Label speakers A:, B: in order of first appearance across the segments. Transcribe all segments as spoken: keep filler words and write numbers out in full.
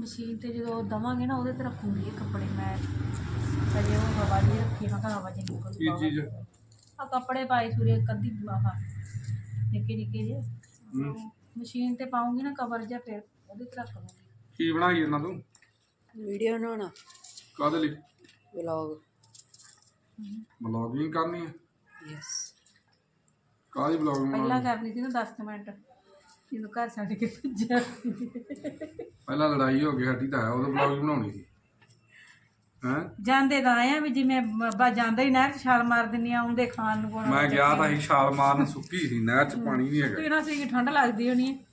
A: Machine ਤੇ ਜਦੋਂ ਦਵਾਂਗੇ ਨਾ ਉਹਦੇ ਤੇ ਰੱਖੂੰਗੀ ਇਹ ਕੱਪੜੇ ਮੈਂ ਕਦੇ ਉਹ ਹਵਾ ਨਹੀਂ ਰੱਖੀ ਨਾ ਹਵਾ ਚ ਨਿਕਲ
B: ਕੀ ਚੀਜ਼
A: ਆ ਕੱਪੜੇ ਪਾਏ ਸੂਰੇ ਕੱਦੀ ਆਹ ਨਿੱਕੇ ਨਿੱਕੇ ਜੇ ਮਸ਼ੀਨ ਤੇ ਪਾਉਂਗੀ ਨਾ ਕਵਰ ਜਿਹਾ ਫਿਰ ਉਹਦੇ ਤੇ ਰੱਖ ਲੂੰਗੀ।
B: ਕੀ ਬਣਾਈ ਇਹਨਾਂ ਤੂੰ?
C: ਵੀਡੀਓ ਬਣਾਉਣਾ।
B: ਕਾਹਦੇ ਲਈ?
C: ਵਲੌਗ।
B: ਵਲੌਗਿੰਗ ਕਰਨੀ ਹੈ?
C: ਯੈਸ।
B: ਕਾਹਦੀ ਵਲੌਗਿੰਗ?
A: ਪਹਿਲਾਂ ਕਰਨੀ ਸੀ ਨਾ ਦਸ ਮਿੰਟ ਜਦੋਂ ਘਰ ਛੱਡ ਕੇ ਭੱਜਿਆ
B: ਪਹਿਲਾਂ ਲੜਾਈ ਹੋ ਗਈ ਸਾਡੀ ਤਾਂ ਉਹਦਾ ਵਲੌਗ ਬਣਾਉਣੀ ਸੀ ਹੈਂ।
A: ਜਾਂਦੇ ਤਾਂ ਆਏ ਆ ਵੀ ਜਿਵੇਂ ਬਾ ਜਾਂਦਾ ਹੀ ਨਹਿਰ 'ਚ ਛਾਲ ਮਾਰ ਦਿੰਨੀ ਆ ਆਉਂਦੇ ਖਾਣ ਨੂੰ ਪਾਉਣਾ।
B: ਮੈਂ ਗਿਆ ਤਾਂ ਸੀ ਛਾਲ ਮਾਰਨ, ਸੁੱਕੀ ਸੀ ਨਹਿਰ 'ਚ, ਪਾਣੀ ਨਹੀਂ ਹੈਗਾ।
A: ਪੀਣਾ ਸੀ ਠੰਡ ਲੱਗਦੀ ਹੋਣੀ ਹੈ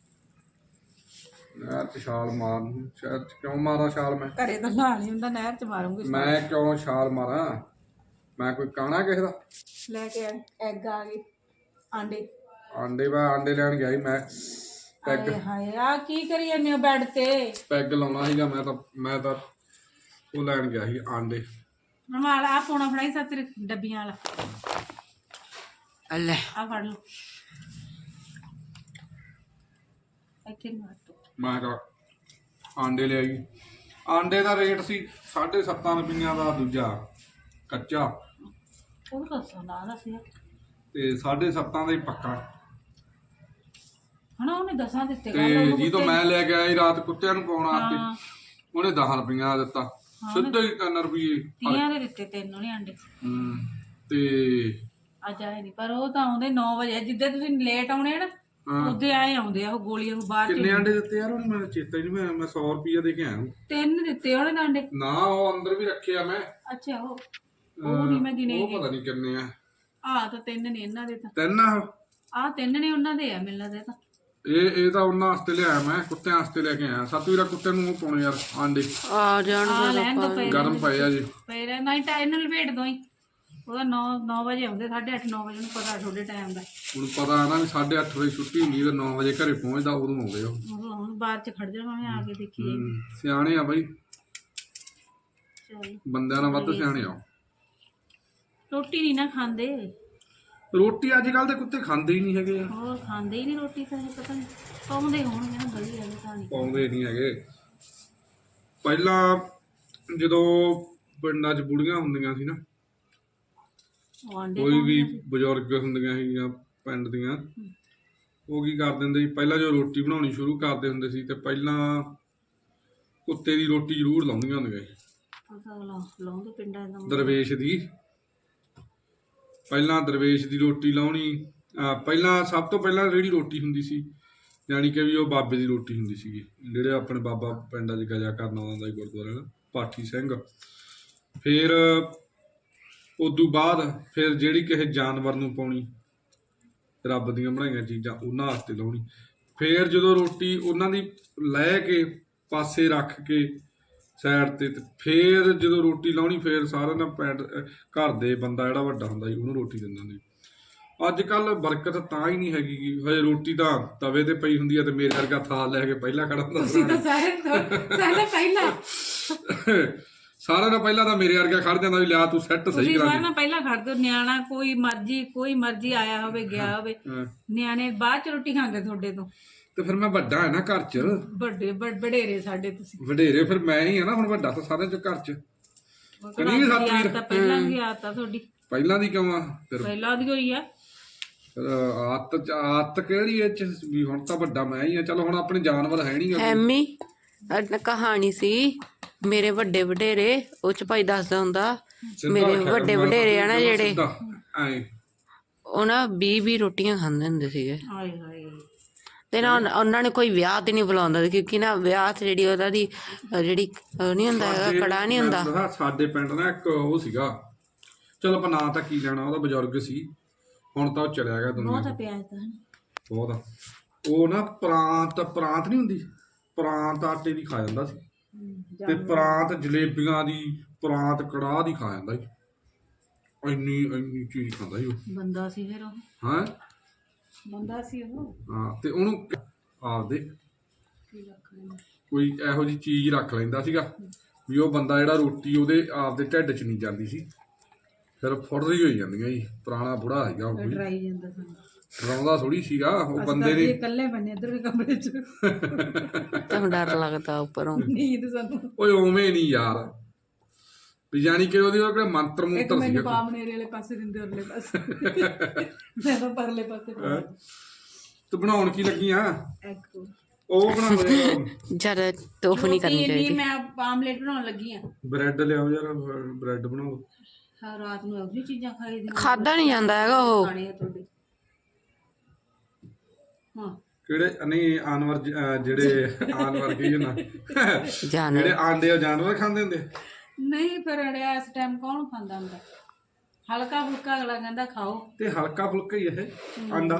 B: ਨਹਿਰ 'ਚ ਛਾਲ ਮਾਰਨ। ਸ਼ਹਿਰ 'ਚ ਕਿਉਂ ਮਾਰਾਂ ਛਾਲ? ਮੈਂ
A: ਘਰੇ ਤਾਂ ਨਹਾ ਨਹੀਂ ਹੁੰਦਾ ਨਹਿਰ 'ਚ ਮਾਰੂੰਗੀ।
B: ਮੈਂ ਕਿਉਂ ਛਾਲ ਮਾਰਾਂ? ਮੈਂ ਕੋਈ ਕਾਣਾ ਕਿਸੇ ਦਾ?
A: ਲੈ ਕੇ ਐਗ ਆ ਗਏ ਆਂਡੇ
B: ਆਂਡੇ ਮੈਂ ਆਂਡੇ ਲੈਣ ਗਿਆ ਸੀ। ਮੈਂ ਪੈਗ
A: ਹਾਏ ਹਾਏ ਆ ਕੀ ਕਰੀ ਜਾਂਦੇ ਹੋ ਬੈੱਡ ਤੇ?
B: ਪੈਗ ਲਾਉਣਾ ਸੀਗਾ ਮੈਂ ਤਾਂ ਮੈਂ ਤਾਂ ਉਹ ਲੈਣ ਗਿਆ ਸੀ ਆਂਡੇ।
A: ਰਮਾਲ ਆ ਪੋਣਾ ਫੜਾਈ ਸੱਤ ਡੱਬੀਆਂ ਵਾਲਾ
C: ਲੈ
A: ਆ ਫੜ ਲਓ ਇੱਥੇ ਮਾਰ ਦੋ।
B: ਮੈਂ ਕਿਹਾ ਆਂਡੇ ਲਿਆਈ। ਆਂਡੇ ਦਾ ਰੇਟ ਸੀ ਸਾਢੇ ਸੱਤਾਂ ਰੁਪਈਆਂ ਦਾ ਦੂਜਾ ਕੱਚਾ,
A: ਉਹ ਦੱਸੋ ਨਾ ਦੱਸਿਆ
B: ਤੇ ਸਾਢੇ ਸੱਤਾਂ ਦਾ ਹੀ ਪੱਕਾ।
A: ਹਨਾ ਉਹਨੇ ਦਸਾਂ ਦਿੱਤੇ
B: ਤੇ ਜਦੋਂ ਮੈਂ ਲੈ ਕੇ ਆਈ ਰਾਤ ਕੁੱਤਿਆਂ ਨੂੰ ਪਾਉਣ ਵਾਸਤੇ ਉਹਨੇ ਦਸ ਰੁਪਈਆਂ ਦਾ ਦਿੱਤਾ, ਸਿੱਧਾ ਹੀ ਤਿੰਨ ਰੁਪਈਏ
A: ਤੀਆਂ ਦੇ ਦਿੱਤੇ ਤੈਨੂੰ ਨਹੀਂ ਆਂਡੇ।
B: ਹੂੰ ਤੇ
A: ਅੱਜ ਆਏ ਨਹੀਂ ਪਰ ਉਹ ਤਾਂ ਆਉਂਦੇ ਨੌ ਵਜੇ ਜਿੱਦੇ ਤੁਸੀਂ ਲੇਟ ਆਉਣੇ ਨਾ ਉਹਦੇ ਆਏ ਆਉਂਦੇ ਆ ਉਹ ਗੋਲੀਆਂ ਨੂੰ ਬਾਹਰ।
B: ਕਿੰਨੇ ਆਂਡੇ ਦਿੱਤੇ ਯਾਰ ਉਹਨੇ? ਮੈਨੂੰ ਚੇਤਾ ਹੀ ਨਹੀਂ। ਮੈਂ ਮੈਂ ਸੌ ਰੁਪਈਆ ਦੇ ਕੇ ਆਇਆ ਹੂੰ।
A: ਤਿੰਨ ਦਿੱਤੇ ਉਹਨੇ ਤਾਂ ਆਂਡੇ।
B: ਨਾ ਉਹ ਅੰਦਰ ਵੀ ਰੱਖੇ ਆ ਮੈਂ।
A: ਅੱਛਾ ਉਹ ਉਹ ਨਹੀਂ ਮੈਂ ਗਿਣੇ।
B: ਉਹ ਪਤਾ ਨਹੀਂ ਕਿੰਨੇ ਆ।
A: ਆ ਤਾਂ ਤਿੰਨ ਨੇ ਇਹਨਾਂ ਦੇ ਤਾਂ।
B: ਤਿੰਨ ਆ
A: ਆ ਤਿੰਨ ਨੇ ਉਹਨਾਂ ਦੇ ਆ ਮੈਨੂੰ ਲੱਗਦਾ ਤਾਂ।
B: ਇਹ ਇਹ ਤਾਂ ਉਹਨਾਂ ਵਾਸਤੇ ਲਿਆਇਆ ਮੈਂ, ਕੁੱਤਿਆਂ ਵਾਸਤੇ ਲੈ ਕੇ ਆਇਆ। ਸਤਵੀਰਾ ਕੁੱਤੇ ਨੂੰ ਉਹ ਪਾਉਣੇ ਯਾਰ ਆਂਡੇ।
C: ਆ ਜਾਣ
A: ਆ ਲੈਣ ਤੋਂ ਪਏ
B: ਗਰਮ ਪਏ ਆ ਜੀ।
A: ਪਏ ਰਹਿ ਨਹੀਂ ਤਾਂ ਇਹਨੂੰ ਲਪੇਟ ਦੋ ਹੀ। ਉਹਦਾ ਨੌ ਨੌ ਵਜੇ ਆਉਂਦੇ, ਸਾਢੇ ਅੱਠ ਨੌ ਵਜੇ ਨੂੰ ਪਤਾ ਤੁਹਾਡੇ ਟਾਈਮ ਦਾ।
B: ਹੁਣ ਪਤਾ ਨਾ ਵੀ ਸਾਢੇ ਅੱਠ ਵਜੇ ਛੁੱਟੀ ਹੁੰਦੀ ਤੇ ਨੌ ਵਜੇ ਘਰੇ ਪਹੁੰਚਦਾ, ਉਦੋਂ ਆਉਂਦੇ ਉਹ।
A: ਉਹ ਹੁਣ ਬਾਹਰ ਚ ਖੜ ਜਾਣਾ ਆ ਕੇ ਦੇਖੀ ਜਾਈਏ।
B: ਸਿਆਣੇ ਆ ਬਾਈ,
A: ਚਲ
B: ਬੰਦਿਆਂ ਨਾਲ ਵੱਧ ਸਿਆਣੇ ਆ।
A: ਰੋਟੀ ਨਹੀਂ ਨਾ ਖਾਂਦੇ।
B: ਰੋਟੀ ਅੱਜ ਕੱਲ ਦੇ ਕੁੱਤੇ ਖਾਂਦੇ ਹੀ ਨਹੀਂ ਹੈਗੇ।
A: ਹੋਰ ਖਾਂਦੇ ਹੀ ਨਹੀਂ ਰੋਟੀ ਤਾਂ ਇਹ ਪਤਾ ਨਹੀਂ ਪਾਉਂਦੇ ਹੋਣਗੇ ਨਾ ਗਲੀ ਵਾਲੇ ਤਾਂ ਨਹੀਂ
B: ਪਾਉਂਦੇ ਨਹੀਂ ਹੈਗੇ। ਪਹਿਲਾਂ ਜਦੋਂ ਪਿੰਡਾਂ 'ਚ ਬੁੜੀਆਂ ਹੁੰਦੀਆਂ ਸੀ ਨਾ, ਕੋਈ ਵੀ ਬਜ਼ੁਰਗ ਹੁੰਦੀਆਂ ਸੀਗੀਆਂ ਪਿੰਡ ਦੀਆਂ, ਉਹ ਕੀ ਕਰ ਦਿੰਦੇ ਸੀ ਪਹਿਲਾਂ ਜੋ ਰੋਟੀ ਬਣਾਉਣੀ ਸ਼ੁਰੂ ਕਰਦੇ ਹੁੰਦੇ ਸੀ ਤੇ ਪਹਿਲਾਂ ਕੁੱਤੇ ਦੀ ਰੋਟੀ ਜ਼ਰੂਰ ਲਾਉਂਦੀਆਂ ਹੁੰਦੀਆਂ ਸੀ।
A: ਲਾਉਂਦੇ ਪਿੰਡਾਂ ਦਾ
B: ਦਰਵੇਸ਼ ਦੀ। ਪਹਿਲਾਂ ਦਰਵੇਸ਼ ਦੀ ਰੋਟੀ ਲਾਉਣੀ। ਪਹਿਲਾਂ ਸਭ ਤੋਂ ਪਹਿਲਾਂ ਜਿਹੜੀ ਰੋਟੀ ਹੁੰਦੀ ਸੀ ਯਾਨੀ ਕਿ ਵੀ ਉਹ ਬਾਬੇ ਦੀ ਰੋਟੀ ਹੁੰਦੀ ਸੀਗੀ, ਜਿਹੜੇ ਆਪਣੇ ਬਾਬਾ ਪਿੰਡਾਂ 'ਚ ਗਜਾ ਕਰਨ ਆਉਂਦਾ ਸੀ ਗੁਰਦੁਆਰੇ ਨਾਲ, ਪਾਠੀ ਸਿੰਘ। ਫਿਰ ਉਦੋਂ ਬਾਅਦ ਫਿਰ ਜਿਹੜੀ ਕਿਸੇ ਜਾਨਵਰ ਨੂੰ ਪਾਉਣੀ, ਰੱਬ ਦੀਆਂ ਬਣਾਈਆਂ ਚੀਜ਼ਾਂ ਉਹਨਾਂ ਵਾਸਤੇ ਲਾਉਣੀ। ਫਿਰ ਜਦੋਂ ਰੋਟੀ ਉਹਨਾਂ ਦੀ ਲੈ ਕੇ ਪਾਸੇ ਰੱਖ ਕੇ ਸਾਈਡ 'ਤੇ, ਫਿਰ ਜਦੋਂ ਰੋਟੀ ਲਾਉਣੀ ਫਿਰ ਸਾਰਿਆਂ ਦਾ ਪੈਂਟ ਘਰ ਦੇ ਬੰਦਾ ਜਿਹੜਾ ਵੱਡਾ ਹੁੰਦਾ ਸੀ ਉਹਨੂੰ ਰੋਟੀ ਦਿੰਦਾ ਸੀ। ਅੱਜ ਕੱਲ੍ਹ ਬਰਕਤ ਤਾਂ ਹੀ ਨਹੀਂ ਹੈਗੀ ਗੀ। ਹਜੇ ਰੋਟੀ ਤਾਂ ਤਵੇ 'ਤੇ ਪਈ ਹੁੰਦੀ ਹੈ ਤੇ ਮੇਰੇ ਵਰਗਾ ਥਾਲ ਲੈ ਕੇ ਪਹਿਲਾਂ ਖੜਾ ਹੁੰਦਾ। ਸਾਰਿਆਂ ਨਾਲ ਪਹਿਲਾਂ ਤਾਂ ਮੇਰੇ ਵਰਗਾ ਖੜ ਜਾਂਦਾ ਵੀ ਲਿਆ ਤੂੰ ਸੈੱਟ ਸਹੀ ਕਰਾ।
A: ਸਾਰਿਆਂ ਨਾਲ ਪਹਿਲਾਂ ਖੜ ਦਿਓ। ਨਿਆਣਾ ਕੋਈ ਮਰਜੀ ਕੋਈ ਮਰਜੀ ਆਇਆ ਹੋਵੇ ਗਿਆ ਹੋਵੇ, ਨਿਆਣੇ ਬਾਅਦ ਚ ਰੋਟੀ ਖਾਂਦੇ ਤੁਹਾਡੇ ਤੋਂ।
B: ਤੇ ਫਿਰ ਮੈਂ ਵੱਡਾ ਹੈ ਨਾ ਘਰ 'ਚ।
A: ਵੱਡੇ ਵਡੇਰੇ ਸਾਡੇ ਤੁਸੀਂ।
B: ਵਡੇਰੇ ਫਿਰ ਮੈਂ ਹੀ ਆ ਨਾ ਹੁਣ, ਵੱਡਾ ਤਾਂ ਸਾਰਿਆਂ 'ਚ ਘਰ 'ਚ। ਕਨੀ ਸਤਵੀਰ
A: ਤਾਂ ਪਹਿਲਾਂ ਵੀ ਆਦਤ ਤੁਹਾਡੀ।
B: ਪਹਿਲਾਂ ਦੀ ਕਿਉਂ ਆ? ਫਿਰ
A: ਪਹਿਲਾਂ ਦੀ ਹੋਈ ਆ।
B: ਆਦਤ ਆਦਤ ਕਿਹੜੀ ਇਹ 'ਚ ਵੀ ਹੁਣ ਤਾਂ ਵੱਡਾ ਮੈਂ ਹੀ ਆ। ਚਲੋ ਹੁਣ ਆਪਣੇ ਜਾਨਵਰ ਹੈ ਨਹੀਂ।
C: ਐਮੀ ਕਹਾਣੀ ਸੀ ਮੇਰੇ ਵੱਡੇ ਵਡੇਰੇ, ਉਹ ਚ ਭਾਈ ਦੱਸਦਾ ਹੁੰਦਾ ਮੇਰੇ ਵੱਡੇ ਵਡੇਰੇ ਆ ਨਾ ਜਿਹੜੇ, ਉਹ ਨਾ ਵੀਹ ਵੀਹ ਰੋਟੀਆਂ ਖਾਂਦੇ ਹੁੰਦੇ ਸੀਗੇ।
A: ਹਾਏ ਹਾਏ।
C: ਤੇ ਨਾ ਉਹਨਾਂ ਨੇ ਕੋਈ ਵਿਆਹ ਤੇ ਨਹੀਂ ਬੁਲਾਉਂਦਾ ਸੀ, ਕਿਉਂਕਿ ਨਾ ਵਿਆਹ ਤੇ ਜਿਹੜੀ ਉਹਦਾ ਦੀ ਜਿਹੜੀ ਉਹ ਨਹੀਂ ਹੁੰਦਾ ਹੈਗਾ, ਕੜਾ ਨਹੀਂ ਹੁੰਦਾ।
B: ਸਾਡੇ ਪਿੰਡ ਨਾ ਇੱਕ ਉਹ ਸੀਗਾ, ਚਲੋ ਆਪਾਂ ਨਾਂ ਤਾਂ ਕੀ ਲੈਣਾ, ਉਹਦਾ ਬਜ਼ੁਰਗ ਸੀ, ਹੁਣ ਤਾਂ ਉਹ ਚਲਿਆ ਗਿਆ ਦੁਨੀਆ ਤੋਂ। ਬਹੁਤ। ਉਹ ਨਾ ਪ੍ਰਾਂਤ ਪ੍ਰਾਂਤ ਨਹੀਂ ਹੁੰਦੀ, ਪ੍ਰਾਂਤ ਆਟੇ ਦੀ ਖਾ ਜਾਂਦਾ ਸੀ ਤੇ ਪ੍ਰਾਂਤ ਜਲੇਬੀਆਂ ਦੀ, ਪ੍ਰਾਂਤ ਕੜਾਹ ਦੀ ਖਾ ਜਾਂਦਾ ਸੀ। ਇੰਨੀ ਇੰਨੀ ਚੀਜ਼ ਖਾਂਦਾ ਸੀ ਉਹ। ਬੰਦਾ ਸੀ ਫਿਰ ਉਹ। ਹਾਂ ਬੰਦਾ ਸੀ ਉਹ। ਹਾਂ ਤੇ ਉਹਨੂੰ ਆਪਦੇ ਕੋਈ ਇਹੋ ਜਿਹੀ ਚੀਜ਼ ਰੱਖ ਲੈਂਦਾ ਸੀਗਾ ਵੀ ਉਹ ਬੰਦਾ ਜਿਹੜਾ ਰੋਟੀ ਉਹਦੇ ਆਪਦੇ ਢਿੱਡ 'ਚ ਨਹੀਂ ਜਾਂਦੀ ਸੀ, ਫਿਰ ਫੁੱਟਦੀ ਹੋਈ ਜਾਂਦੀਆਂ ਜੀ। ਪੁਰਾਣਾ ਬੁੜਾ ਸੀਗਾ ਉਹ। ਡਰਾਉਂਦਾ ਥੋੜੀ ਸੀਗਾ ਉਹ ਬੰਦੇ
A: ਇਹ
B: ਨੇ।
A: ਇਕੱਲੇ ਬੰਨੇ ਇੱਧਰ ਦੇ ਕਮਰੇ 'ਚ
C: ਤੁਹਾਨੂੰ ਡਰ ਲੱਗਦਾ ਉੱਪਰੋਂ?
A: ਨੀਂਦ ਸਾਨੂੰ।
B: ਓਏ ਉਵੇਂ ਨਹੀਂ ਯਾਰ, ਵੀ ਜਾਣੀ ਕਿ ਉਹਦੇ ਉਹ ਕਿਹੜਾ ਮੰਤਰ
A: ਇੱਕ
B: ਮੁੰਤਰ
A: ਮੈਨੂੰ
B: ਸੀਗਾ।
A: ਬਾਮਨੇਰੇ ਵਾਲੇ ਪਾਸੇ ਦਿੰਦੇ ਉਰਲੇ ਪਾਸੇ ਮੈਂ ਤਾਂ ਪਰਲੇ ਪਾਸੇ
B: ਹੈਂ? ਤੂੰ ਬਣਾਉਣ ਕੀ ਲੱਗੀ ਆ?
A: ਐਗ
B: ਉਹ ਬਣਾਉਂਦੇ
C: ਜ਼ਿਆਦਾ ਤੋਫ ਨਹੀਂ ਕਰਨੀ ਚਾਹੀਦੀ।
A: ਮੈਂ ਆਮਲੇਟ ਬਣਾਉਣ ਲੱਗੀ ਆ।
B: ਬ੍ਰੈਡ ਲਿਆਓ ਯਾਰ, ਬ੍ਰੈਡ ਬਣਾਓ।
A: ਹਾਂ ਰਾਤ ਨੂੰ ਇਹੋ ਜਿਹੀ ਚੀਜ਼ਾਂ ਖਾਈ ਦੀਆਂ
C: ਖਾਦਾ ਨਹੀਂ ਜਾਂਦਾ ਹੈਗਾ ਉਹ।
A: ਖਾਣੇ ਆ ਤੁਹਾਡੇ। ਹਾਂ
B: ਕਿਹੜੇ ਨਹੀਂ ਆਨਵਰ ਜ- ਅਹ ਜਿਹੜੇ ਆਨਵਰ ਕੀ ਨਾ
C: ਜਾਨਵਰ
B: ਜਿਹੜੇ ਆਂਡੇ ਉਹ ਜਾਨਵਰ ਖਾਂਦੇ ਹੁੰਦੇ।
A: ਨਹੀਂ ਫਿਰ ਅੜਿਆ ਇਸ ਟਾਈਮ ਕੌਣ ਖਾਂਦਾ ਹੁੰਦਾ? ਹਲਕਾ ਫੁਲਕਾ ਅਗਲਾ ਕਹਿੰਦਾ ਖਾਓ।
B: ਤੇ ਹਲਕਾ ਫੁਲਕਾ ਹੀ ਇਹ ਆਂਡਾ,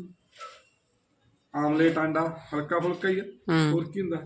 B: ਆਮਲੇਟ ਆਂਡਾ ਹਲਕਾ ਫੁਲਕਾ ਹੀ ਆ,
C: ਹੂੰ।
B: ਹੋਰ ਕੀ ਹੁੰਦਾ?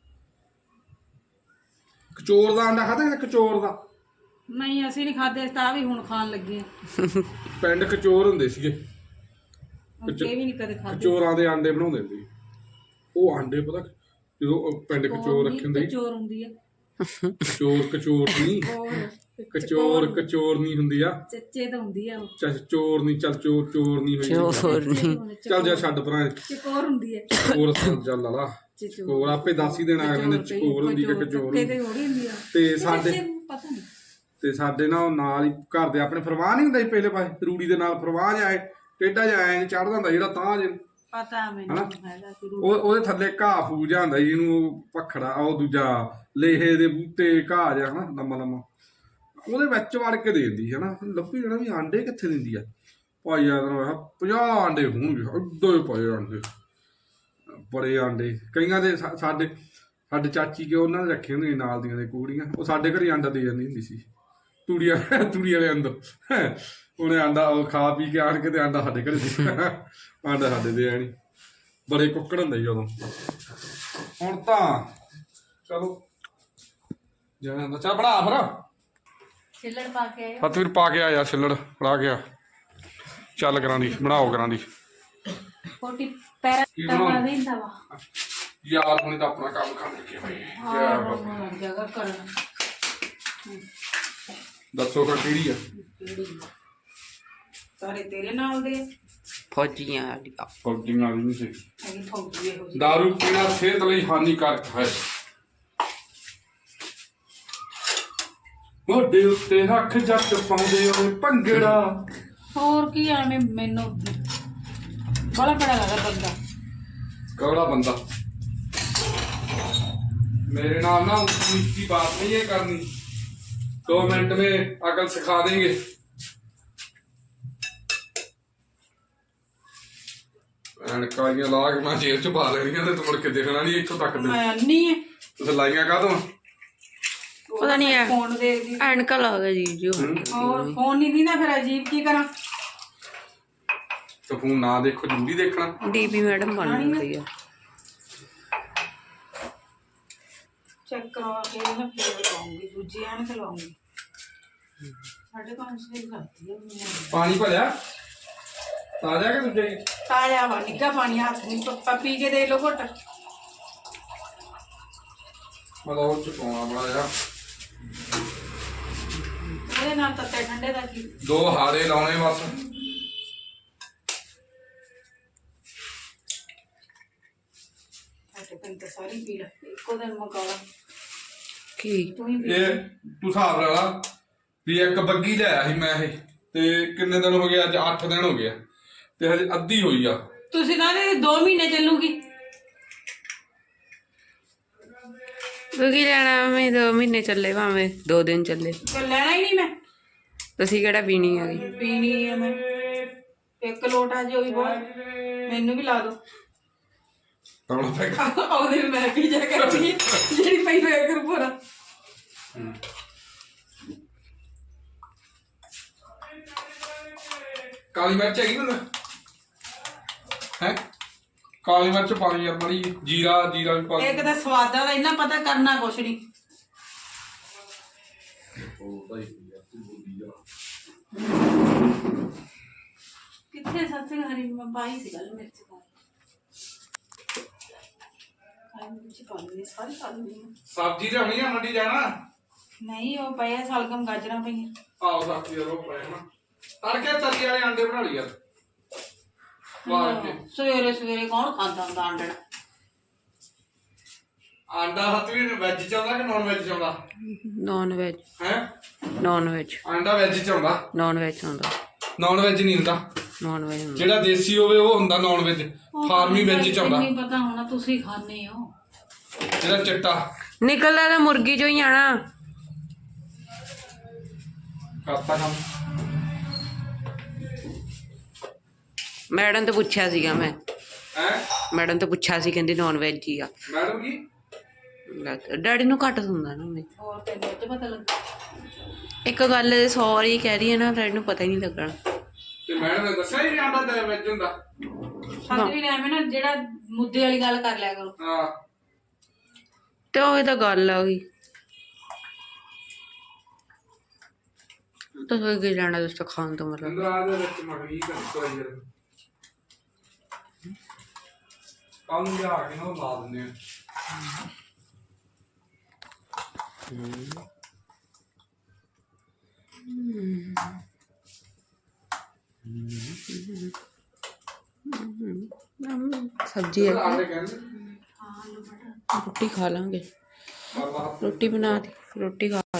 B: ਕਚੋਰ ਦਾ ਆਂਡਾ ਖਾਧਾ? ਕਚੋਰ ਦਾ
A: ਨਹੀਂ ਅਸੀਂ ਨਹੀਂ ਖਾਦੇ, ਤਾਂ ਵੀ ਹੁਣ ਖਾਣ ਲੱਗੇ ਆ।
B: ਪਿੰਡ ਕਚੋਰ ਹੁੰਦੇ ਸੀਗੇ,
A: ਇਹ ਵੀ ਨਹੀਂ ਕਦੇ ਖਾਦੇ।
B: ਕਚੋਰਾਂ ਦੇ ਆਂਡੇ ਬਣਾਉਂਦੇ ਸੀ ਉਹ। ਆਂਡੇ ਪਤਾ ਜਦੋਂ ਉਹ ਪਿੰਡ ਕਚੋਰ ਰੱਖੇ ਹੁੰਦੇ ਸੀ।
A: ਚੋਰ ਹੁੰਦੀ ਆ
B: ਕਚੋਰ ਕਚੋਰ ਨਹੀਂ, ਕਚੋਰ ਕਚੋਰ ਨਹੀਂ ਹੁੰਦੀ ਆ,
A: ਚੱਚੇ ਤਾਂ ਹੁੰਦੀ ਆ ਉਹ।
B: ਚੱਲ ਚੋਰ ਨਹੀਂ, ਚੱਲ ਚੋਰ ਚੋਰ ਨਹੀਂ ਹੋਈ।
C: ਚੋਰ ਨਹੀਂ।
B: ਚੱਲ ਜਾ ਛੱਡ ਪਰਾਂ।
A: ਚਕੋਰ ਹੁੰਦੀ ਹੈ।
B: ਚਕੋਰ ਚੱਲ ਲਾ ਚਕੋਰ ਆਪੇ ਦੱਸ ਹੀ ਦੇਣਾ ਅਗਲੇ ਨੇ ਚਕੋਰ ਹੁੰਦੀ ਕਿ ਕਚੋਰ
A: ਤੇ ਤੇ ਹੋੜੀ ਹੁੰਦੀ ਆ।
B: ਤੇ ਸਾਡੇ
A: ਪਤਾ ਨਹੀਂ
B: ਤੇ ਸਾਡੇ ਨਾਲ ਨਾਲ ਹੀ ਘਰ ਦੇ ਆਪਣੇ ਫਰਮਾਨ ਨਹੀਂ ਹੁੰਦਾ ਸੀ ਪਹਿਲੇ ਪਾਸੇ ਰੂੜੀ ਦੇ ਨਾਲ ਫਰਮਾਨ ਜਾਏ ਟੇਢਾ ਜਾਏ ਚੜਦਾ ਹੁੰਦਾ ਜਿਹੜਾ ਤਾਂ ਜੇ
A: ਪਤਾ ਮੈਨੂੰ ਹੈਗਾ ਕਿ
B: ਉਹ ਉਹਦੇ ਥੱਲੇ ਘਾਹ ਫੂਜ ਜਾਂਦਾ ਜੀ, ਇਹਨੂੰ ਪਖੜਾ ਉਹ ਦੂਜਾ ਲੇਹੇ ਦੇ ਬੂਟੇ ਘਾਹ ਜਿਹਾ ਹਨਾ ਲੰਮਾ ਲੰਮਾ ਉਹਦੇ ਵਿੱਚ ਵੜ ਕੇ ਦੇ ਦਿੰਦੀ ਹਨਾ। ਲੱਭੀ ਜਾਣਾ ਵੀ ਆਂਡੇ ਕਿੱਥੇ ਦਿੰਦੀ ਆ। ਭਾਈ ਯਾਦ ਨਾ ਪੰਜਾਹ ਆਂਡੇ ਹੋਣਗੇ ਏਡੇ ਪਏ ਆਂਡੇ, ਬੜੇ ਆਂਡੇ। ਕਈਆਂ ਦੇ ਸਾ- ਸਾਡੇ ਸਾਡੇ ਚਾਚੀ ਕੇ ਉਹਨਾਂ ਨੇ ਰੱਖੇ ਹੁੰਦੇ ਨਾਲ ਦੀਆਂ ਦੇ ਕੁੜੀਆਂ, ਉਹ ਸਾਡੇ ਘਰੇ ਆਂਡਾ ਦੇ ਜਾਂਦੀ ਹੁੰਦੀ ਸੀ ਤੂੜੀ ਤੂੜੀ ਵਾਲੇ ਅੰਦਰ। ਉਹਨੇ ਆਂਡਾ ਉਹ ਖਾ ਪੀ ਕੇ ਆਣ ਕੇ ਤੇ ਆਂਡਾ ਸਾਡੇ ਘਰੇ ਦੇ ਆਂਡਾ ਸਾਡੇ ਦੇ ਆਣੀ। ਬੜੇ ਕੁੱਕੜ ਹੁੰਦੇ ਸੀ ਉਦੋਂ। ਹੁਣ ਤਾਂ ਚਲੋ ਜਾਣਾ ਚੱਲ ਬਣਾ ਫਿਰ।
A: ਛਿੱਲੜ ਪਾ ਕੇ ਆਏ
B: ਫਤਵੀਰ ਪਾ ਕੇ ਆ ਯਾਰ, ਛਿੱਲੜ ਫੜਾ ਗਿਆ। ਚੱਲ ਕਰਾਂ ਦੀ ਬਣਾਓ ਕਰਾਂ ਦੀ
A: ਕੋਟੀ ਪੈਰਾ ਟਵਾ ਦਿੰਦਾ ਵਾ
B: ਯਾਰ। ਹੁਣੇ ਤਾਂ ਆਪਣਾ ਕੰਮ ਕਰ ਲੱਗੇ ਭਾਈ।
A: ਹਾਂ ਜਗ੍ਹਾ ਕਰਨ।
B: ਦੱਸੋ ਫਿਰ ਕਿਹੜੀ ਆ?
A: ਸਾਰੇ ਤੇਰੇ ਨਾਲ ਦੇ
C: ਫੌਜੀਆਂ ਵਾਲੀਆਂ।
B: ਫੌਜੀਆਂ ਵਾਲੀ ਨਹੀਂ ਸੀ।
A: ਹੈਗੀ ਫੌਜੀ ਇਹੋ ਜਿਹੀ।
B: ਦਾਰੂ ਪੀਣਾ ਸਿਹਤ ਲਈ ਹਾਨੀਕਾਰਕ ਹੈ। ਮੋਢੇ ਉੱਤੇ ਰੱਖ ਜੱਟ ਪਾਉਂਦੇ ਓਏ ਭੰਗੜਾ।
A: ਹੋਰ ਕੀ ਐਵੇਂ ਮੈਨੂੰ ਬੜਾ ਬੜਾ ਲੱਗਦਾ ਬੰਦਾ।
B: ਕੌੜਾ ਬੰਦਾ मेरे नाम ना उसकी बात नहीं है करनी। दो मिनट में अकल सिखा देंगे। ਐਨਕਾਂ ਲਾ ਕੇ ਮੈਂ ਜੇਬ ਚ ਪਾ ਲੈਣੀਆਂ ਤੇ ਤੂੰ ਮੁੜ ਕੇ ਦੇਖਣਾ ਨਹੀਂ ਇੱਥੋਂ ਤੱਕ ਦੇ।
A: ਮੈਂ ਨਹੀਂ ਹੈ
B: ਤੁਸੀਂ ਲਾਈਆਂ ਕਾਹਤੋਂ?
C: ਪਤਾ ਨਹੀਂ ਹੈ
A: ਫੋਨ ਦੇ ਦੀ
C: ਐਨਕਾਂ ਲਾ ਗਿਆ ਜੀ ਜੋ।
A: ਹੋਰ ਫੋਨ ਨਹੀਂ ਦਿੰਦਾ ਫਿਰ ਅਜੀਬ ਕੀ ਕਰਾਂ।
B: ਤੇ ਫੋਨ ਨਾ ਦੇਖੋ, ਜ਼ਰੂਰੀ ਦੇਖਣਾ।
C: ਡੀਪੀ ਮੈਡਮ ਬਣ ਗਈ ਆ।
A: ਚੈੱਕ ਕਰਵਾ ਕੇ ਨਾ ਫਿਰ ਲਾਉਂਗੀ, ਦੂਜੀ ਐਨਕ ਲਾਉਂਗੀ। ਸਾਡੇ ਪੰਜ ਛੇ ਕਰਦੀ ਆ ਮੈਂ।
B: ਪਾਣੀ ਭਰਿਆ ਤਾਜ਼ਾ ਕਿ ਦੂਜਾ ਹੀ?
A: ਤਾਜ਼ਾ ਵਾ, ਨਿੱਘਾ ਪਾਣੀ ਹੱਥ ਨਹੀਂ ਪੱਪਾ ਪੀ ਕੇ ਦੇ ਲੋ ਘੁੱਟ।
B: ਮਤਲਬ ਉਹ ਚ ਪਾਉਣਾ ਬੜਾ ਜਿਹਾ।
A: ਉਹਦੇ ਨਾਲ ਤੱਤੇ ਠੰਡੇ ਦਾ ਕੀ।
B: ਦੋ ਹਾਰੇ ਲਾਉਣੇ ਬਸ।
A: ਸਾਡੇ ਪਿੰਡ ਤਾਂ ਸਾਰੀ ਪੀ ਲੈ, ਇੱਕੋ ਦਿਨ ਮਕਾਲਾ
C: ਕੀ
A: ਤੂੰ ਹੀ ਪੀ।
B: ਇਹ ਤੂੰ ਹਿਸਾਬ ਲਾ ਲਾ ਵੀ ਇੱਕ ਬੱਗੀ ਲਿਆਇਆ ਸੀ ਮੈਂ ਇਹ, ਤੇ ਕਿੰਨੇ ਦਿਨ ਹੋ ਗਏ? ਅੱਜ ਅੱਠ ਦਿਨ ਹੋ ਗਏ ਆ ਤੇ ਹਜੇ ਅੱਧੀ ਹੋਈ ਆ।
A: ਤੁਸੀਂ ਕਹਿੰਦੇ ਦੋ ਮਹੀਨੇ ਚੱਲੂਗੀ।
C: ਕੀ ਲੈਣਾ? ਮੈਂ ਦੋ ਮਹੀਨੇ ਚੱਲੇ ਭਾਵੇਂ ਦੋ ਦਿਨ ਚੱਲੇ।
A: ਤੇ ਲੈਣਾ ਹੀ ਨਹੀਂ ਮੈਂ।
C: ਤੁਸੀਂ ਕਿਹੜਾ ਪੀਣੀ ਹੈਗੀ?
A: ਪੀਣੀ ਹੈ ਮੈਂ। ਇੱਕ ਲੋਟਾ ਜੋ ਵੀ ਬਹੁਤ, ਮੈਨੂੰ ਵੀ ਲਾ ਦੋ।
B: ਕੌਣ ਪੈਗਾ?
A: ਉਹਦੇ ਮੈਂ ਪੀ ਜਾ ਕਰਦੀ ਜਿਹੜੀ ਪਈ ਹੋਇਆ ਕਰ ਪੂਰਾ।
B: ਕਾਲੀ ਮਿਰਚ ਹੈਗੀ ਨਾ? ਹੈ ਕਾਲੀ ਮਿਰਚ ਪਾਣੀ ਯਾਰ ਮਾੜੀ ਜਿਹੀ। ਜੀਰਾ ਜੀਰਾ ਵੀ ਪਾ।
A: ਇੱਕ ਤਾਂ ਸਵਾਦਾਂ ਦਾ ਇੰਨਾ ਪਤਾ, ਕਰਨਾ ਕੁਛ ਨਹੀਂ। ਕਿੱਥੇ ਸੱਚੇ ਹਰੀ ਮੈਂ ਪਾਈ ਸੀ ਗੱਲ ਮਿਰਚ ਪਾ ਕਾਲੀ ਮਿਰਚ ਪਾ ਲਈ ਸਾਰੀ ਪਾ ਲਈ।
B: ਸਬਜ਼ੀ ਲਿਆਉਣੀ ਆ ਮੰਡੀ ਜਾਣਾ?
A: ਨਹੀਂ ਉਹ ਪਿਆ ਸਲਗਮ ਗਾਜਰਾਂ ਪਈਆਂ।
B: ਆਓ ਸਬਜ਼ੀ ਦਾ ਰੋ ਪਾਇਆ ਨਾ। ਤੜਕੇ ਤਰੀ ਵਾਲੇ ਆਂਡੇ ਬਣਾ ਲਈ ਯਾਰ। ਬਾਹਰ ਕੇ
C: ਸਵੇਰੇ ਸਵੇਰੇ ਕੌਣ ਖਾਂਦਾ ਹੁੰਦਾ ਆਂਡਣਾ?
B: ਆਂਡਾ ਹੱਥ ਵੀ ਵੈਜ ਚ ਆਉਂਦਾ ਕਿ ਨਾਨ ਵੈਜ ਚ ਆਉਂਦਾ?
C: Non veg.
B: ਹੈ
C: ਨੌਨ ਵੈਜ।
B: ਆਂਡਾ ਵੈਜ ਚ ਆਉਂਦਾ,
C: ਨੌਨ ਵੈਜ ਹੁੰਦਾ।
B: ਨਾਨ ਵੈਜ ਨਹੀਂ ਹੁੰਦਾ।
C: ਨੌਨ ਵੈਜ ਹੁੰਦਾ
B: ਜਿਹੜਾ ਦੇਸੀ ਹੋਵੇ ਉਹ ਹੁੰਦਾ ਨਾਨ ਵੈਜ, ਫਾਰਮੀ ਵੈਜ ਚ ਆਉਂਦਾ।
A: ਨਹੀਂ ਪਤਾ ਹੋਣਾ, ਤੁਸੀਂ ਖਾਣੇ ਹੋ
B: ਜਿਹੜਾ ਚਿੱਟਾ
C: ਨਿਕਲਦਾ ਤਾਂ ਮੁਰਗੀ ਚੋਂ ਹੀ ਆਣਾ।
B: ਕਰਤਾ ਕੰਮ।
C: ਮੈਡਮ ਤੋਂ ਪੁੱਛਿਆ ਸੀਗਾ ਮੈਂ,
B: ਹੈ
C: ਮੈਡਮ ਤੋਂ ਪੁੱਛਿਆ ਸੀ, ਕਹਿੰਦੀ ਨੌਨ ਵੈਜ ਹੀ ਆ।
B: ਮੈਡਮ ਕੀ?
C: ਡੈਡੀ ਨੂੰ ਘੱਟ ਹੁੰਦਾ ਨਾ ਮੈਂ।
A: ਹੋਰ ਤੈਨੂੰ ਤੇ ਪਤਾ ਲੱਗਾ।
C: ਇੱਕ ਗੱਲ ਸੌਰੀ ਕਹਿ ਰਹੀ ਹੈ ਨਾ, ਡੈਡੀ ਨੂੰ ਪਤਾ ਹੀ ਨਹੀਂ ਲੱਗਣਾ।
B: ਤੇ ਮੈਡਮ ਨੇ ਦੱਸਿਆ ਹੀ ਨਹੀਂ ਆਂਡਾ ਵੈਜ ਹੁੰਦਾ।
A: ਸੱਚ ਵੀ ਐਵੇਂ ਨਾ ਜਿਹੜਾ ਮੁੱਦੇ ਵਾਲੀ ਗੱਲ ਕਰ ਲਿਆ ਕਰੋ।
B: ਹਾਂ
C: ਤੇ ਉਹ ਤਾਂ ਗੱਲ ਆ ਗਈ। ਤਾਂ ਕੀ ਲੈਣਾ ਦੋਸਤੋ ਖਾਣ ਤੋਂ ਮਤਲਬ।
B: ਅੰਦਰ ਦੇ ਵਿੱਚ ਮਗਰੀ ਕਰ ਕੋਈ ਯਾਰ ਕੰਮ ਲਿਆ ਕੇ ਨਾ ਲਾ ਦਿੰਦੇ ਆ।
C: सब्जी है,
B: ਆਲੇ ਕਹਿੰਦੇ
C: रोटी खा लेंगे।
B: ਬਾਬਾ
C: रोटी बना दी, रोटी खा।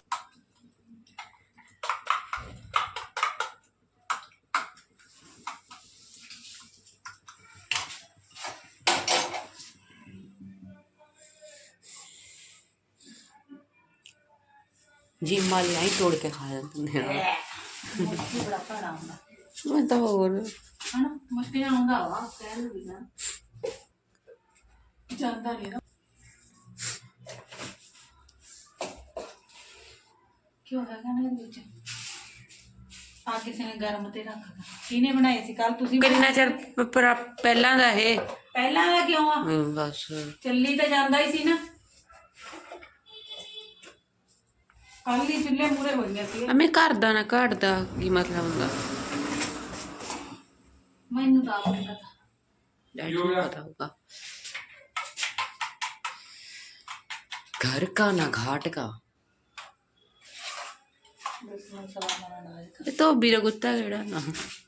C: जी मालियां ही तोड़ के खा जाते हैं।
A: ਮੁਸ਼ਕਿਲ ਬੜਾ ਭੜਾ ਹੁੰਦਾ
C: मैं तो और
A: ਹਨਾ, ਮੁਸ਼ਕਿਲ ਆਉਂਦਾ ਵਾ ਕਹਿ ਲੂ ਨਾ ਜਾਂਦਾ ਨਹੀਂ ਨਾ। ਕਿਉਂ ਹੈਗਾ ਨਾ ਇਹਦੇ ਵਿੱਚ ਆ ਕਿਸੇ ਨੇ ਗਰਮ ਤੇ ਰੱਖ ਦਿੱਤਾ। ਕਿਹਨੇ ਬਣਾਏ ਸੀ ਕੱਲ? ਤੁਸੀਂ
C: किन्ना चਿਰ ਪ- ਪਰ- ਪਹਿਲਾਂ ਦਾ ਇਹ
A: ਪਹਿਲਾਂ ਦਾ ਕਿਉਂ ਆ?
C: ਹਮ, ਬਸ
A: ਚੱਲੀ ਤਾਂ ਜਾਂਦਾ ਹੀ ਸੀ ਨਾ। ਕੱਲ ਹੀ ਚੁੱਲ੍ਹੇ ਮੂਰੇ ਹੋਈਆਂ ਸੀ।
C: ਅਮੇ ਘਰ ਦਾ ਨਾ ਘਾਟ ਦਾ ਕੀ ਮਤਲਬ ਹੁੰਦਾ?
A: ਮੈਨੂੰ ਤਾਂ ਆਪ ਨਹੀਂ ਪਤਾ।
C: डैडी को पता होगा। घर का ना घाट का। ਇਹ ਧੋਬੀ ਦਾ ਕੁੱਤਾ ਕਿਹੜਾ ਨਾ?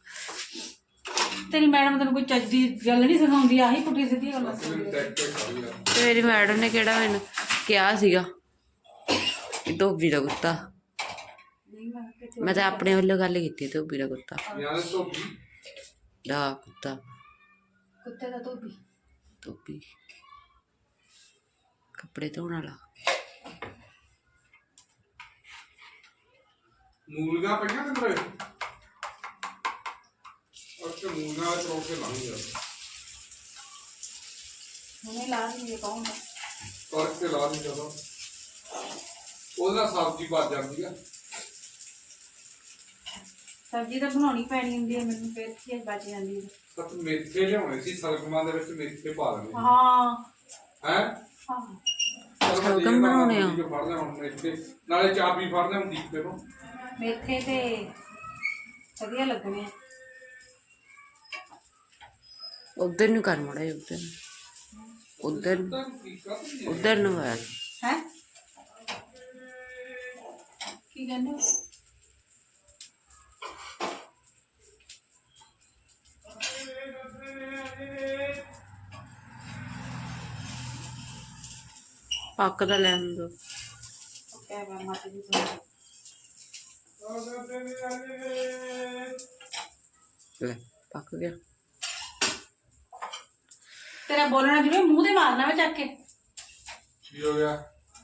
A: ਤੇਰੀ ਮੈਡਮ ਤੈਨੂੰ ਕੋਈ ਚੱਜ ਦੀ ਗੱਲ ਨਹੀਂ ਸਿਖਾਉਂਦੀ? ਆਹੀ ਪੁੱਠੀ ਸਿੱਧੀ ਗੱਲਾਂ ਸਿਖਾਉਂਦੀ ਆ।
C: ਤੇ ਮੇਰੀ ਮੈਡਮ ਨੇ ਕਿਹੜਾ ਮੈਨੂੰ ਕਿਹਾ ਸੀਗਾ ਕਿ ਧੋਬੀ ਦਾ ਕੁੱਤਾ? ਮੈਂ ਤਾਂ ਆਪਣੇ ਵੱਲੋਂ ਗੱਲ ਕੀਤੀ, ਧੋਬੀ ਦਾ ਕੁੱਤਾ
B: ਯਾਰ ਧੋਬੀ
C: ਦਾ ਕੁੱਤਾ
A: ਕੁੱਤੇ ਦਾ ਧੋਬੀ।
C: ਧੋਬੀ ਕੱਪੜੇ ਧੋਣ ਵਾਲਾ।
B: ਮੂਲੀਆਂ ਪਈਆਂ ਤੇ ਤੇਰੇ ਅੱਛਾ ਮੂਲੀਆਂ ਵਾਲੇ ਤਰੋਕ ਕੇ ਲੰਘ ਗਿਆ
A: ਹੁਣੇ ਲਾ ਲਈਏ ਕੌਣ ਦਾ?
B: ਕਰਕੇ ਲਾ ਦੀ ਜਦੋਂ ਉਹਦੇ ਨਾਲ ਸਬਜ਼ੀ ਬਚ ਜਾਂਦੀ ਆ।
A: ਸਬਜ਼ੀ ਤਾਂ ਬਣਾਉਣੀ ਪੈਣੀ ਹੁੰਦੀ ਹੈ ਮੈਨੂੰ, ਫਿਰ ਕੀ ਬਚ ਜਾਂਦੀ ਹੈ।
B: ਸਤ ਮੇਥੇ ਲਿਆਉਣੇ ਸੀ, ਸਲਗਮਾਂ ਦੇ ਵਿੱਚ ਮੇਥੇ ਪਾ ਦੇਣੇ।
A: ਹਾਂ
B: ਹੈ
A: ਹਾਂ
C: ਸਲਗਮ ਬਣਾਉਣੇ ਆ।
B: ਫੜ ਲਿਆ ਹੁਣ ਮੇਥੇ, ਨਾਲੇ ਚਾਬੀ ਫੜ ਲਿਆ ਦੀਪੇ ਨੂੰ।
A: ਮੇਥੇ ਤੇ ਵਧੀਆ ਲੱਗਣੇ ਆ।
C: ਉਧਰ ਨੂੰ ਕਰ ਮੜਾ ਉਧਰ ਉਧਰ ਉਧਰ ਨੂੰ ਆ।
A: ਹੈ ਕੀ ਕਹਿੰਦੇ ਹੋ?
C: ਪੱਕ ਦਾ ਲੈਣ ਦੋ।
A: ਕਹਿ ਮੈਂ ਮਾਤਾ ਜੀ ਤੋਂ
C: ਲੈ ਪੱਕ ਗਿਆ।
A: ਤੇਰਾ ਬੋਲਣਾ ਜਿਵੇਂ ਮੂੰਹ ਤੇ ਮਾਰਨਾ ਵਾ ਚੱਕ ਕੇ।
B: ਕੀ ਹੋ ਗਿਆ?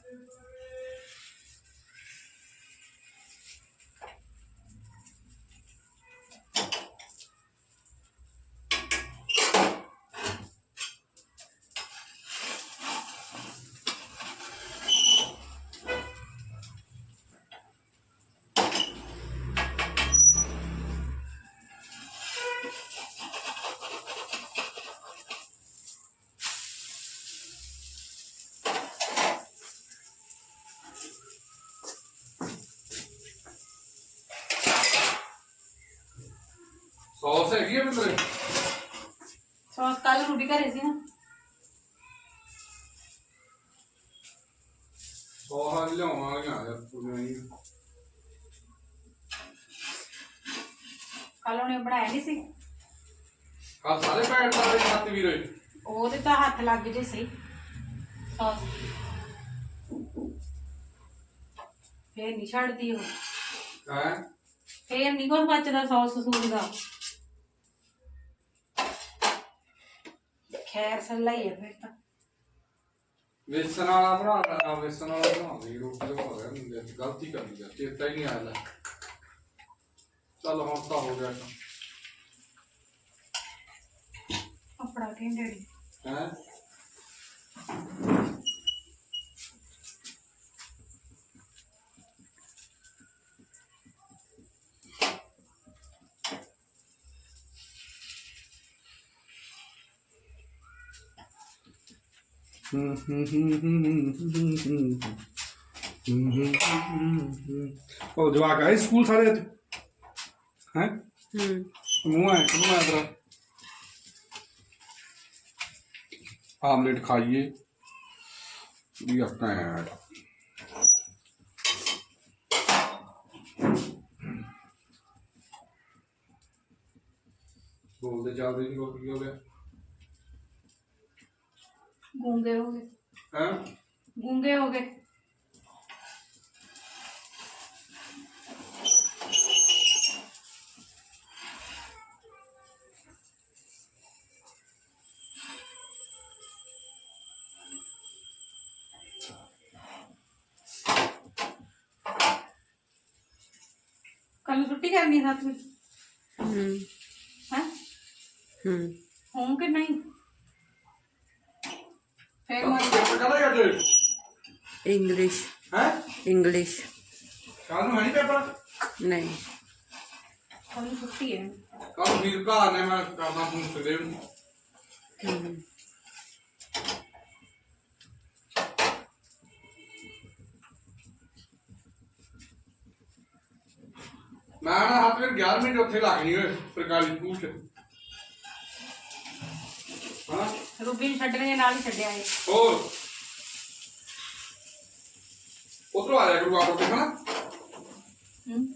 B: ਸੌਸ ਹੈਗੀ ਆ ਮੇਰੇ
A: ਸੌਸ ਕੱਲ ਰੋਟੀ ਘਰੇ ਸੀ ਨਾ।
B: ਸੌਸ ਲਿਆਉਣਾ ਆ ਯਾਰ ਤੂੰ ਨਹੀਂ।
A: ਕੱਲ ਉਹਨੇ ਬਣਾਇਆ ਨਹੀਂ ਸੀ।
B: ਆ ਸਾਰੇ ਭੈਣ ਦਾ ਸੱਤ ਵੀਰੇ
A: ਉਹਦੇ ਤਾਂ ਹੱਥ ਲੱਗ ਜੇ ਸਹੀ ਸੌਸ ਫੇਰ ਨਹੀਂ ਛੱਡਦੀ ਉਹ
B: ਹੈ
A: ਫੇਰ ਨਹੀਂ ਕੁਛ ਬਚਦਾ ਸੌਸ ਸੂਸ ਦਾ ਖੈਰ ਸੱਲਾ ਹੀ ਹੈ ਫਿਰ ਤਾਂ
B: ਵੇਸਣ ਵਾਲਾ ਬਣਾ ਲੈਣਾ ਵੇਸਣ ਵਾਲਾ ਬਣਾਉਂਦੀ ਰੋਟੀ ਦਾ ਹੋ ਗਿਆ ਗਲਤੀ ਕਰ ਲਈ ਚੇਤਾ ਹੀ ਨਹੀਂ ਆਇਆ ਚੱਲ ਹੁਣ ਤਾਂ ਹੋ ਗਿਆ
A: ਆਪਣਾ ਕਹਿੰਦੇ
B: ਹੈ ਉਹ ਜਵਾਕ ਆਏ ਸਕੂਲ ਸਾਰੇ ਅੱਜ ਹੈ
C: ਹੂੰ
B: ਮੂੰਹ ਹੈ ਕਿਉਂ ਆ ਤੇਰਾ ਆਮਲੇਟ ਖਾਈਏ ਵੀ ਆਪਣਾ ਹੈ ਬੋਲਦੇ ਚੱਲਦੇ ਨਹੀਂ ਕੋਈ ਹੋ ਗਿਆ
A: ਗੂੰਗੇ ਹੋ ਗਏ
B: ਹੈ
A: ਗੂੰਗੇ ਹੋ ਗਏ ਕੱਲ ਛੁੱਟੀ ਕਰਨੀ ਰਾਤ ਵਿੱਚ
C: ਹੂੰ
A: ਹੈ
C: ਹੂੰ
A: ਹੋਂ ਕਿ ਨਹੀਂ ਫਿਰ ਮੈਂ
B: ਕਹਦਾ ਕਰਦੇ
C: ਇੰਗਲਿਸ਼
B: ਹੈ
C: ਇੰਗਲਿਸ਼
B: ਕੱਲ ਨੂੰ ਹੈ ਨਹੀਂ ਪੇਪਰ
C: ਨਹੀਂ
A: ਕੱਲ ਛੁੱਟੀ ਹੈ
B: ਕੱਲ ਵੀਰ ਘਰ ਨੇ ਮੈਂ ਕਰਨਾ ਫੋਨ ਸਵੇਰੇ ਨੂੰ
C: ਹੂੰ
B: ਮੈਂ ਨਾ ਹੱਥ ਵਿੱਚ ਗਿਆਰ੍ਹ ਮਿੰਟ ਉੱਥੇ ਲੱਗਣੀ ਓਏ ਸਰਕਾਰੀ ਸਕੂਲ ਚ ਹਾਂ
A: ਰੂਬੀ ਨੂੰ ਛੱਡਣੇ ਨਾਲ ਹੀ ਛੱਡਿਆ ਹੈ
B: ਹੋਰ ਉਧਰੋਂ ਆ ਜਾ ਕਰੂ ਆਪ ਉੱਤੇ ਹਨਾ
A: ਹੂੰ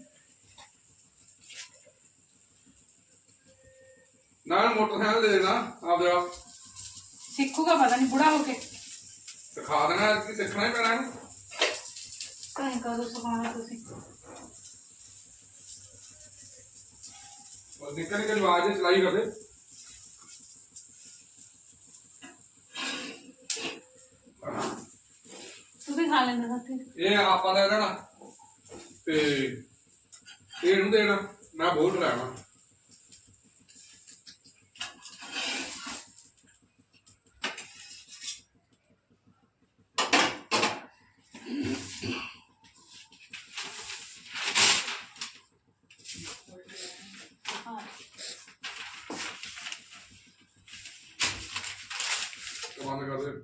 B: ਨਾਲ ਮੋਟਰਸਾਈਕਲ ਦੇ ਦੇਣਾ ਆਪਦੇ ਆਪ
A: ਸਿੱਖੂਗਾ ਪਤਾ ਨਹੀਂ ਬੁੜਾ ਹੋ ਕੇ
B: ਸਿਖਾ ਦੇਣਾ ਕਿ ਸਿੱਖਣਾ ਹੀ ਪੈਣਾ ਇਹਨੂੰ
A: ਕਹੀਂ ਕਦੋਂ ਸਿਖਾਉਣਾ ਤੁਸੀਂ
B: और निकल निकल आवाज चलाई कर दे
A: ਤੁਸੀਂ ਖਾ ਲੈਂਦੇ ਸਾਥੀ
B: ਇਹ ਆਪਾਂ ਦਾ ਨਾ ਤੇ ਇਹਨੂੰ ਦੇਣਾ ਮੈਂ ਬਹੁਤ ਲੈਣਾ ਬੰਦ ਕਰ ਦੇ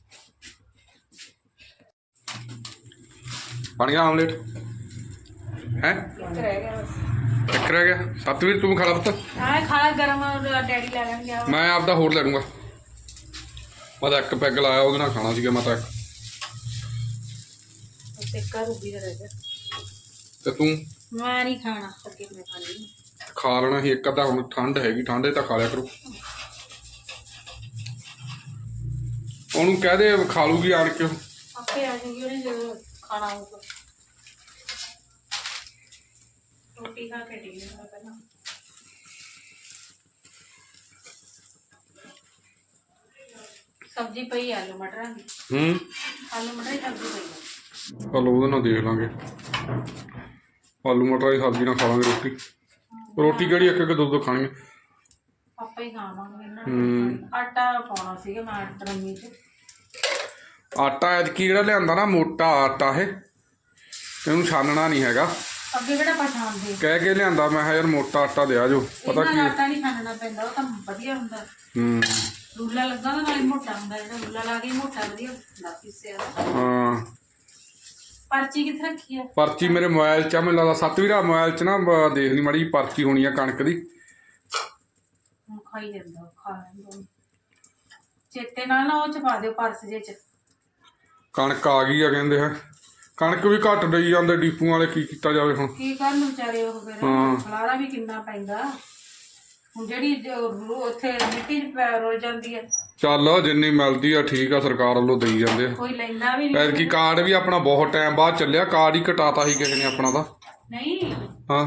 B: ਬਣ ਗਿਆ ਆਮਲੇਟ ਹੈ
A: ਇੱਕ ਰਹਿ ਗਿਆ ਬਸ
B: ਇੱਕ ਰਹਿ ਗਿਆ ਸਤਵੀਰ ਤੂੰ ਖਾ ਲਾ ਪੁੱਤ
A: ਆਹ ਖਾ ਗਰਮ ਡੈਡੀ ਲੈ ਲੈਣਗੇ
B: ਮੈਂ ਆਪਦਾ ਹੋਰ ਲੈ ਲੂੰਗਾ ਮੈਂ ਤਾਂ ਇੱਕ ਪੈਗ ਲਾਇਆ ਉਹਦੇ ਨਾਲ ਖਾਣਾ ਸੀਗਾ ਮੈਂ ਤਾਂ
A: ਤੇ ਕਾ ਰੂਬੀ ਦਾ ਰਹਿ ਗਿਆ
B: ਤੇ ਤੂੰ
A: ਮੈਂ ਨਹੀਂ ਖਾਣਾ ਅੱਗੇ ਮੈਂ ਖਾ ਲਈ
B: ਖਾ ਲੈਣਾ ਸੀ ਇੱਕ ਅੱਧਾ ਹੁਣ ਠੰਡ ਹੈਗੀ ਠੰਡੇ ਤਾਂ ਖਾ ਲਿਆ ਕਰੋ ਉਹਨੂੰ ਕਹਿ ਦੇ ਖਾ ਲੂਗੀ ਆਣ ਕੇ
A: ਆਪੇ ਆ ਜਾਏਗੀ ਉਹਨੇ ਜਦੋਂ ਖਾਣਾ ਹੋਊਗਾ ਰੋਟੀ ਖਾ ਕੇ ਡੀ ਨਾ ਪਹਿਲਾਂ ਸਬਜ਼ੀ ਪਈ ਆਲੂ ਮਟਰਾਂ ਦੀ
B: ਹੂੰ
A: ਆਲੂ ਮਟਰ ਦੀ ਸਬਜ਼ੀ ਪਈ ਆ
B: ਚਲੋ ਉਹਦੇ ਨਾਲ ਦੇਖ ਲਾਂਗੇ ਆਲੂ ਮਟਰ ਦੀ ਸਬਜ਼ੀ ਨਾਲ ਖਾ ਲਾਂਗੇ ਰੋਟੀ ਰੋਟੀ ਕਿਹੜੀ ਇੱਕ ਇੱਕ ਦੋ ਦੋ ਖਾਣਗੇ
A: ਆਪਾਂ ਹੀ ਖਾਵਾਂਗੇ ਇਹਨਾਂ
B: ਹੂੰ।
A: ਨੂੰ ਆਟਾ ਪਾਉਣਾ ਸੀਗਾ ਮੈਂ ਟਰਮੀ ਚ
B: ਆਟਾ ਐਤਕੀ ਜਿਹੜਾ ਲਿਆਂਦਾ ਨਾ ਮੋਟਾ ਆਟਾ ਇਹ ਇਹਨੂੰ ਛਾਨਣਾ ਨਹੀਂ ਹੈਗਾ
A: ਅੱਗੇ ਕਿਹੜਾ ਪਛਾਣਦੇ
B: ਕਹਿ ਕੇ ਲਿਆਂਦਾ ਮੈਂ ਕਿਹਾ ਯਾਰ ਮੋਟਾ ਆਟਾ ਦਿਆ ਜੋ ਪਤਾ
A: ਇਹਨਾਂ
B: ਕੀ
A: ਦਾ ਆਟਾ ਨਹੀਂ ਖਾਣਾ ਪੈਂਦਾ ਉਹ ਤਾਂ ਵਧੀਆ ਹੁੰਦਾ
B: ਹੂੰ
A: ਰੂਲਾ ਲੱਗਾ ਤਾਂ ਨਾਲੇ ਮੋਟਾ ਹੁੰਦਾ ਜਿਹੜਾ ਰੂਲਾ ਲਾ ਕੇ ਮੋਟਾ ਵਧੀਆ ਹੁੰਦਾ ਪਿੱਸਿਆ ਦਾ।
B: ਹਾਂ
A: ਪਰਚੀ ਕਿੱਥੇ ਰੱਖੀ ਆ
B: ਪਰਚੀ ਮੇਰੇ ਮੋਬਾਈਲ 'ਚ ਆ ਮੈਨੂੰ ਲੱਗਦਾ ਸੱਤਵੀਂ ਮੋਬਾਈਲ 'ਚ ਨਾ ਬ- ਦੇਖ ਲਈ ਮਾੜੀ ਜਿਹੀ ਪਰਚੀ ਹੋਣੀ ਆ ਕਣਕ ਦੀ
A: ਹੁਣ ਖਾਈ ਜਾਂਦਾ ਉਹ, ਖਾ ਲੈਂਦਾ ਉਹਨੂੰ। ਚੇਤੇ ਨਾਲ ਨਾ ਉਹ ਚ ਪਾ ਦਿਓ ਪਰਸ ਜੇ ਚ
B: ਕਣਕ ਆ ਗਈ ਆ ਕਹਿੰਦੇ ਹੈ ਕਣਕ ਵੀ ਘੱਟ ਡਈ ਜਾਂਦੇ ਡੀਪੂ ਵਾਲੇ ਕੀ ਕੀਤਾ ਜਾਵੇ ਹੁਣ
A: ਕੀ ਕਰਨ ਵਿਚਾਰੇ ਉਹ ਫਿਰ
B: ਹਾਂ।
A: ਖਲਾਰਾ ਵੀ ਕਿੰਨਾ ਪੈਂਦਾ ਹੁਣ ਜਿਹੜੀ ਜੋ ਰੂ- ਉੱਥੇ ਮਿੱਟੀ 'ਚ ਪੈ- ਰੁਲ ਜਾਂਦੀ ਹੈ,
B: ਚੱਲ ਜਿੰਨੀ ਮਿਲਦੀ ਆ ਠੀਕ ਆ, ਸਰਕਾਰ ਵੱਲੋਂ ਦੇਈ ਜਾਂਦੇ ਆ।
A: ਕੋਈ ਲੈਂਦਾ ਵੀ ਨਹੀਂ।
B: ਐਤਕੀ ਕਾਰਡ ਵੀ ਆਪਣਾ ਬਹੁਤ ਟਾਈਮ ਬਾਅਦ ਚੱਲਿਆ, ਕਾਰਡ ਹੀ ਕਟਾਤਾ ਸੀ ਕਿਸੇ ਨੇ ਆਪਣਾ ਦਾ।
A: ਨਹੀਂ
B: ਹਾਂ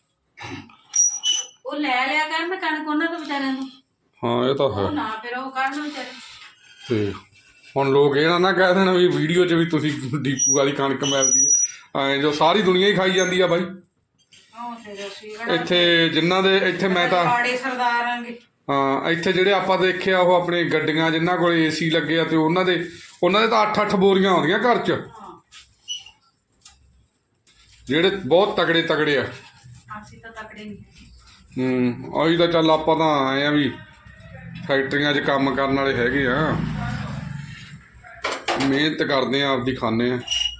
A: ਉਹ ਲੈ ਲਿਆ ਕਰਨ ਕਣਕ ਉਹਨਾਂ ਤੋਂ ਵਿਚਾਰਿਆਂ ਨੂੰ,
B: ਹਾਂ ਇਹ ਤਾਂ ਹੈ।
A: ਉਹ ਨਾ ਫਿਰ ਉਹ ਕਰਨ ਵਿਚਾਰੇ।
B: ਤੇ ਹੁਣ ਲੋਕ ਇਹ ਨਾ ਨਾ ਕਹਿ ਦੇਣ ਵੀ ਵੀਡੀਓ 'ਚ ਵੀ ਤੁਸੀਂ ਡੀਪੂ ਵਾਲੀ ਕਣਕ ਮਿਲਦੀ ਹੈ, ਐਂ ਜੋ ਸਾਰੀ ਦੁਨੀਆ ਹੀ ਖਾਈ ਜਾਂਦੀ ਆ ਬਾਈ।
A: ਉਹ ਫਿਰ ਅਸੀਂ ਕਿਹੜਾ
B: ਇੱਥੇ ਜਿਨ੍ਹਾਂ ਦੇ ਇੱਥੇ ਮੈਂ ਤਾਂ
A: ਕਾੜੇ ਸਰਦਾਰਾਂਗੇ।
B: ਹਾਂ ਇੱਥੇ ਜਿਹੜੇ ਆਪਾਂ ਦੇਖਿਆ ਉਹ ਆਪਣੀ ਗੱਡੀਆਂ ਜਿਨ੍ਹਾਂ ਕੋਲ ਏਸੀ ਲੱਗੇ ਆ, ਤੇ ਉਹਨਾਂ ਦੇ ਉਹਨਾਂ ਦੇ ਤਾਂ ਅੱਠ ਅੱਠ ਬੋਰੀਆਂ ਆਉਂਦੀਆਂ ਘਰ 'ਚ, ਜਿਹੜੇ ਬਹੁਤ ਤਗੜੇ ਤਗੜੇ ਆ।
A: ਅਸੀਂ ਤਾਂ ਤਕੜੇ ਨਹੀਂ ਹੈਗੇ।
B: ਹੂੰ ਉਹੀ ਤਾਂ ਚੱਲ ਆਪਾਂ ਤਾਂ ਆਏ ਆ ਵੀ ਫੈਕਟਰੀਆਂ 'ਚ ਕੰਮ ਕਰਨ ਵਾਲੇ ਹੈਗੇ ਆ, ਮਿਹਨਤ ਕਰਦੇ ਆ, ਆਪਦੀ ਖਾਂਦੇ ਆ।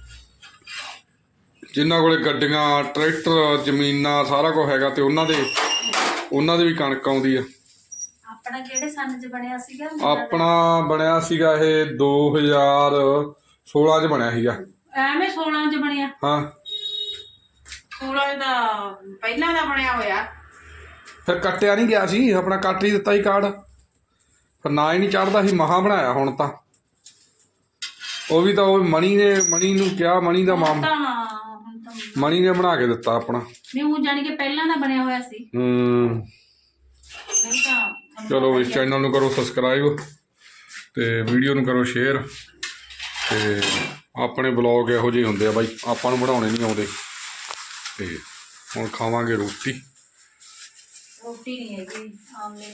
B: ਜਿਨ੍ਹਾਂ ਕੋਲੇ ਗੱਡੀਆਂ ਟਰੈਕਟਰ ਜ਼ਮੀਨਾਂ ਸਾਰਾ ਕੁਝ ਹੈਗਾ, ਤੇ ਉਹਨਾਂ ਦੇ ਉਹਨਾਂ ਦੇ ਵੀ ਕਣਕ ਆਉਂਦੀ ਆ।
A: ਆਪਣਾ ਕਿਹੜੇ ਸੰਨ 'ਚ ਬਣਿਆ ਸੀਗਾ?
B: ਆਪਣਾ ਬਣਿਆ ਸੀਗਾ ਇਹ ਦੋ ਹਜ਼ਾਰ ਸੋਲਾਂ 'ਚ ਬਣਿਆ ਸੀਗਾ।
A: ਐਵੇਂ ਸੋਲਾਂ 'ਚ ਬਣਿਆ?
B: ਹਾਂ
A: ਸੋਲਾਂ ਦਾ ਪਹਿਲਾਂ ਦਾ ਬਣਿਆ ਹੋਇਆ।
B: ਫਿਰ ਕੱਟਿਆ ਨਹੀਂ ਗਿਆ ਸੀ, ਆਪਣਾ ਕੱਟ ਹੀ ਦਿੱਤਾ ਸੀ ਕਾਰਡ, ਫਿਰ ਨਾ ਹੀ ਨਹੀਂ ਚੜ੍ਹਦਾ ਸੀ। ਮਹਾਂ ਬਣਾਇਆ ਹੁਣ ਤਾਂ, ਉਹ ਵੀ ਤਾਂ ਉਹ ਮਣੀ ਨੇ ਮਣੀ ਨੂੰ ਕਿਹਾ, ਮਣੀ ਦਾ ਮਾਮ
A: ਤਾਂ ਹੁਣ ਤਾਂ
B: ਮਣੀ ਨੇ ਬਣਾ ਕੇ ਦਿੱਤਾ ਆਪਣਾ।
A: ਨਹੀਂ ਉਹ ਜਾਣੀ ਕਿ ਪਹਿਲਾਂ ਦਾ ਬਣਿਆ ਹੋਇਆ ਸੀ।
B: ਹੂੰ
A: ਨਹੀਂ ਤਾਂ
B: ਚਲੋ ਇਸ ਚੈਨਲ ਨੂੰ ਕਰੋ ਸਬਸਕ੍ਰਾਈਬ, ਤੇ ਵੀਡੀਓ ਨੂੰ ਕਰੋ ਸ਼ੇਅਰ। ਤੇ ਆਪਣੇ ਬਲੌਗ ਇਹੋ ਜਿਹੇ ਹੁੰਦੇ ਆ ਬਾਈ, ਆਪਾਂ ਨੂੰ ਬਣਾਉਣੇ ਨਹੀਂ ਆਉਂਦੇ। ਤੇ ਹੁਣ ਖਾਵਾਂਗੇ ਰੋਟੀ।
A: ਰੋਟੀ ਨਹੀਂ ਹੈਗੀ, ਆਮਲੇਟ।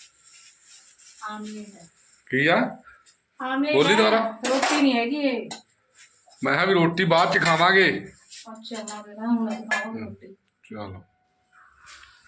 A: ਆਮਲੇਟ ਹੈ।
B: ਕੀ ਆ?
A: ਆਮਲੇਟ
B: ਬੋਲੀ
A: ਹੈ,
B: ਦੁਬਾਰਾ।
A: ਰੋਟੀ ਨਹੀਂ ਹੈਗੀ ਇਹ।
B: ਮੈਂ ਕਿਹਾ ਵੀ ਰੋਟੀ ਬਾਅਦ 'ਚ ਖਾਵਾਂਗੇ।
A: ਅੱਛਾ ਨਾ ਬੇਟਾ ਹੁਣ ਖਾਓ ਰੋਟੀ।
B: ਚਲੋ।